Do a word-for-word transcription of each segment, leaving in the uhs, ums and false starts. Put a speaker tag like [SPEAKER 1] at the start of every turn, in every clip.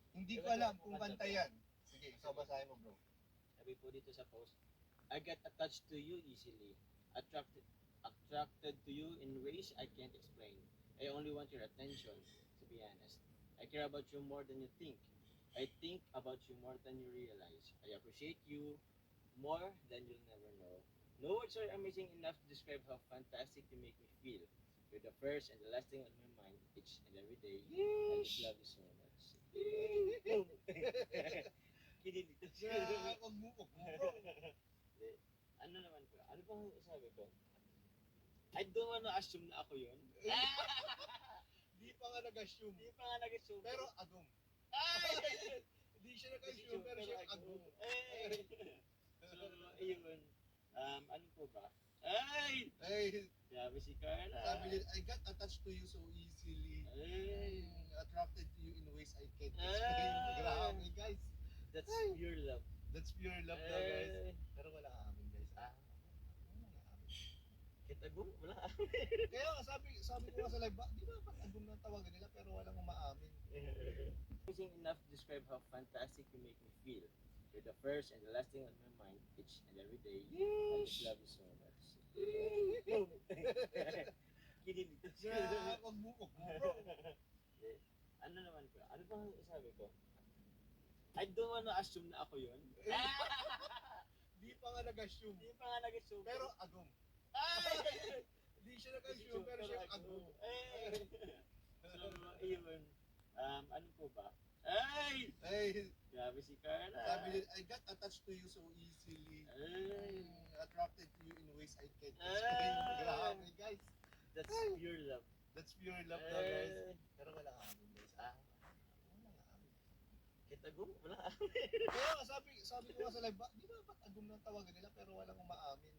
[SPEAKER 1] Hindi ko alam kung kanta yan. Sige, ikaw basahin mo, bro.
[SPEAKER 2] Sabi po dito sa post, I get attached to you easily. Attracted attracted to you in ways I can't explain. I only want your attention, to be honest. I care about you more than you think. I think about you more than you realize. I appreciate you more than you'll never know. No words are amazing enough to describe how fantastic you make me feel. You're the first and the last thing on my mind each and every day. I just love you so much. Kinilito siya.
[SPEAKER 1] Yeah, wag mo, wag mo, bro.
[SPEAKER 2] Ano naman ko? Ano bang sabi ko? I don't wanna assume na ako yun.
[SPEAKER 1] Di pa nga nag-assume.
[SPEAKER 2] Hindi pa nga nag-assume.
[SPEAKER 1] Pero agum.
[SPEAKER 2] ay!
[SPEAKER 1] Hindi siya nag-assume, pero siya agum.
[SPEAKER 2] Eh! So, ayun. Um, ano po ba? Ay!
[SPEAKER 1] Ay,
[SPEAKER 2] Grabe si Carla.
[SPEAKER 1] sabi niya, I got attached to you so easily.
[SPEAKER 2] Ay!
[SPEAKER 1] Mm, attracted to you in ways I can't explain.
[SPEAKER 2] Ay!
[SPEAKER 1] Grabe, guys.
[SPEAKER 2] That's
[SPEAKER 1] Ay!
[SPEAKER 2] pure love.
[SPEAKER 1] That's pure love daw, guys.
[SPEAKER 2] Ay!
[SPEAKER 1] Pero wala amin, guys.
[SPEAKER 2] Ah,
[SPEAKER 1] Wala amin.
[SPEAKER 2] kitagong? Wala.
[SPEAKER 1] Kaya nga, sabi, sabi ko nga sa live, ba, di ba ba't agum na tawagan nila pero walang umaamin?
[SPEAKER 2] Amazing enough to describe how fantastic you make me feel. You're the first and the last thing on my mind each and every day. I just love you so much. Kinilito siya.
[SPEAKER 1] Yeah, wag mo, wag mo, bro.
[SPEAKER 2] Ano naman ko? Ano bang sabi ko? I don't wanna assume na ako yun.
[SPEAKER 1] Di pa nga nag-assume.
[SPEAKER 2] Hindi pa nga nag-assume.
[SPEAKER 1] Pero agum.
[SPEAKER 2] ay!
[SPEAKER 1] Hindi siya nag-assume, pero siya agum.
[SPEAKER 2] Eh! So, ayun. Um, ano po ba? Ay!
[SPEAKER 1] Ay,
[SPEAKER 2] Grabe si Carla.
[SPEAKER 1] sabi niya, I got attached to you so easily.
[SPEAKER 2] Ay!
[SPEAKER 1] Mm, attracted to you in ways I can't explain.
[SPEAKER 2] Ay!
[SPEAKER 1] Grabe, guys.
[SPEAKER 2] That's
[SPEAKER 1] Ay!
[SPEAKER 2] pure love.
[SPEAKER 1] That's pure love daw, guys.
[SPEAKER 2] Ay!
[SPEAKER 1] Pero wala amin, guys.
[SPEAKER 2] Ah,
[SPEAKER 1] Wala amin.
[SPEAKER 2] kitagong? Wala.
[SPEAKER 1] Kaya nga, sabi, sabi ko nga sa live, ba, di ba ba't agum na tawagan nila pero walang umaamin?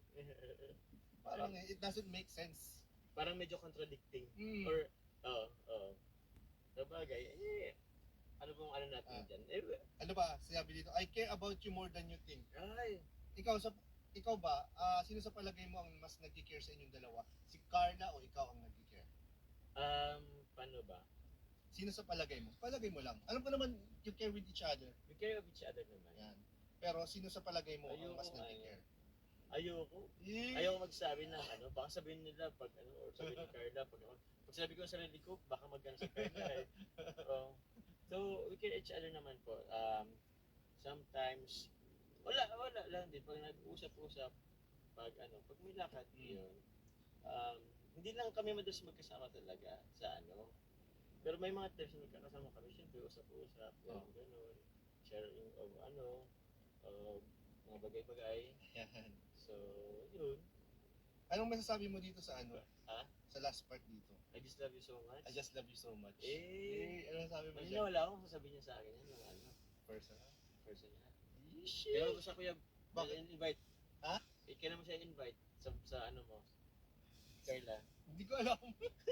[SPEAKER 1] Parang eh, it doesn't make sense.
[SPEAKER 2] Parang medyo contradicting.
[SPEAKER 1] Mm.
[SPEAKER 2] Or, oo, oo. Sabagay, eh, ano pong ano natin
[SPEAKER 1] Ah.
[SPEAKER 2] dyan? Eh,
[SPEAKER 1] Ano ba, sabi dito, I care about you more than you think.
[SPEAKER 2] ay,
[SPEAKER 1] Ikaw sa ikaw ba, ah, sino sa palagay mo ang mas nagki-care sa inyong dalawa? Si Carla o ikaw ang nagki-care?
[SPEAKER 2] um, paano ba?
[SPEAKER 1] Sino sa palagay mo? Palagay mo lang. Alam ko naman, you care with each other.
[SPEAKER 2] We care of each other naman.
[SPEAKER 1] Yan. Pero sino sa palagay mo ang
[SPEAKER 2] Ayoko
[SPEAKER 1] mas
[SPEAKER 2] nga
[SPEAKER 1] nagki-care?
[SPEAKER 2] Ayoko.
[SPEAKER 1] Eh,
[SPEAKER 2] Ayoko magsabi ng ano, baka sabihin nila pag ano, or sabihin ni Carla, pag, pag sabi ko sa sarili ko, baka magano si Carla eh. Oo. So, we care each other naman po. Um, sometimes, wala, wala lang din. Pag nag-usap-usap, pag ano, pag may lakad,
[SPEAKER 1] Mm.
[SPEAKER 2] yun. Um, hindi lang kami madalas magkasama talaga sa ano. Pero may mga times na magkakasama kami, syempre, usap-usap,
[SPEAKER 1] Oo.
[SPEAKER 2] oh. Ganun. Sharing of ano, of mga bagay-bagay.
[SPEAKER 1] Yan.
[SPEAKER 2] So, yun.
[SPEAKER 1] Anong masasabi mo dito sa ano?
[SPEAKER 2] Ha?
[SPEAKER 1] Sa last part dito?
[SPEAKER 2] I just love you so much.
[SPEAKER 1] I just love you so much.
[SPEAKER 2] Eh,
[SPEAKER 1] Eh, ano sabi mo
[SPEAKER 2] Kanina
[SPEAKER 1] dyan?
[SPEAKER 2] wala akong sasabihin niya sa akin yan, yung ano,
[SPEAKER 1] Personal.
[SPEAKER 2] personal.
[SPEAKER 1] Yeesh.
[SPEAKER 2] Kaya ko sa kuya,
[SPEAKER 1] Bakit?
[SPEAKER 2] invite.
[SPEAKER 1] Ha?
[SPEAKER 2] Eh, kaya naman siya invite sa, sa ano mo, Carla.
[SPEAKER 1] Hindi ko alam.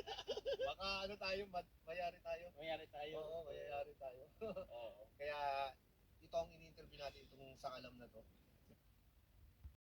[SPEAKER 1] Baka ano tayo, ma- mayari tayo.
[SPEAKER 2] Mayari tayo.
[SPEAKER 1] Oo, mayayari tayo.
[SPEAKER 2] Oo.
[SPEAKER 1] Kaya ito ang ini-interview natin itong sa alam na to.